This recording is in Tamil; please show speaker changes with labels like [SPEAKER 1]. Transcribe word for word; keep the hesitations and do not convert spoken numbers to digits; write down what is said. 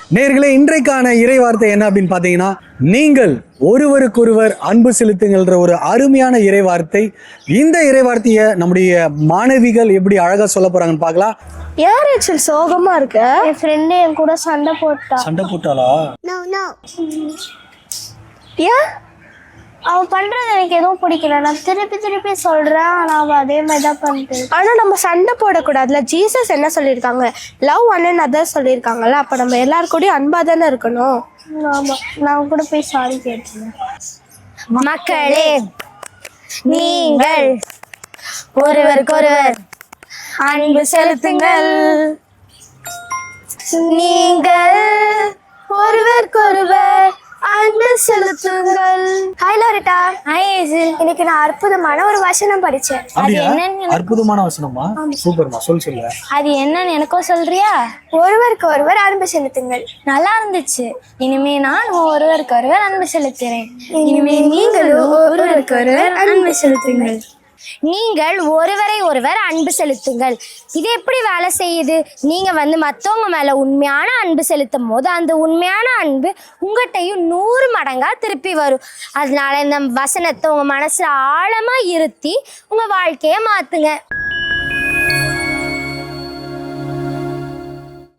[SPEAKER 1] நேயர்களே, இன்றைக்கான இறை வார்த்தை என்ன அப்படின்னு பார்த்தீங்கன்னா, நீங்கள் ஒருவருக்கொருவர் அன்பு செலுத்துங்கள்ன்ற ஒரு அருமையான இறை வார்த்தை. இந்த இறை வார்த்தையை நம்முடைய மாணவிகள் எப்படி அழகா சொல்ல போறாங்கன்னு பார்க்கலாம்.
[SPEAKER 2] யார் ஆக்சுவல் சோகமா இருக்க? என் ஃப்ரெண்டு என் கூட சண்டை போட்டா.
[SPEAKER 1] சண்டை போட்டாளா?
[SPEAKER 2] No no. ஏன்? அவன் பண்றது எனக்கு எதுவும் பிடிக்கல. நான் திருப்பி திருப்பி சொல்றேன், ஆனா அவன் அதே மாதிரி தான் பண்ணிட்டு. ஆனா நம்ம சண்டை போடக்கூடாதுல. ஜீசஸ் என்ன சொல்லியிருக்காங்க? லவ் ஒன் அண்ட் அதர் சொல்லியிருக்காங்கல்ல. அப்ப நம்ம எல்லாரு கூடயும் அன்பா தானே இருக்கணும். ஆமா, நான் கூட போய் சாரி கேட்டேன். மக்களே, நீங்கள் ஒருவருக்கொருவர் அன்பு செலுத்துங்கள். நீங்கள் ஒருவருக்கொருவர் அன்பு செலுத்துங்கள். Hi Loretta. ஹாய் ஏசில். இன்னைக்கு நான் அற்புதமான ஒரு வசனம் படிச்சேன். அது என்னன்னு?
[SPEAKER 1] அற்புதமான வசனமா? சூப்பர்மா, சொல் சொல்ல.
[SPEAKER 2] அது என்னன்னு எனக்கும் சொல்றியா? ஒருவருக்கு ஒருவர் அன்பு செலுத்துங்கள். நல்லா இருந்துச்சு. இனிமே நான் ஒருவருக்கு ஒருவர் அன்பு செலுத்துறேன். இனிமே நீங்களும் ஒருவருக்கு ஒருவர் அன்பு செலுத்துங்கள். நீங்கள் ஒருவரை ஒருவர் அன்பு செலுத்துங்கள். இது எப்படி வேலை செய்யுது? நீங்க வந்து மற்றவங்க மேல உண்மையான அன்பு செலுத்தும் போது அந்த உண்மையான அன்பு உங்கள்கிட்டையும் நூறு மடங்கா திருப்பி வரும். அதனால இந்த வசனத்தை உங்க மனசுல ஆழமா இருத்தி உங்க வாழ்க்கைய மாத்துங்க.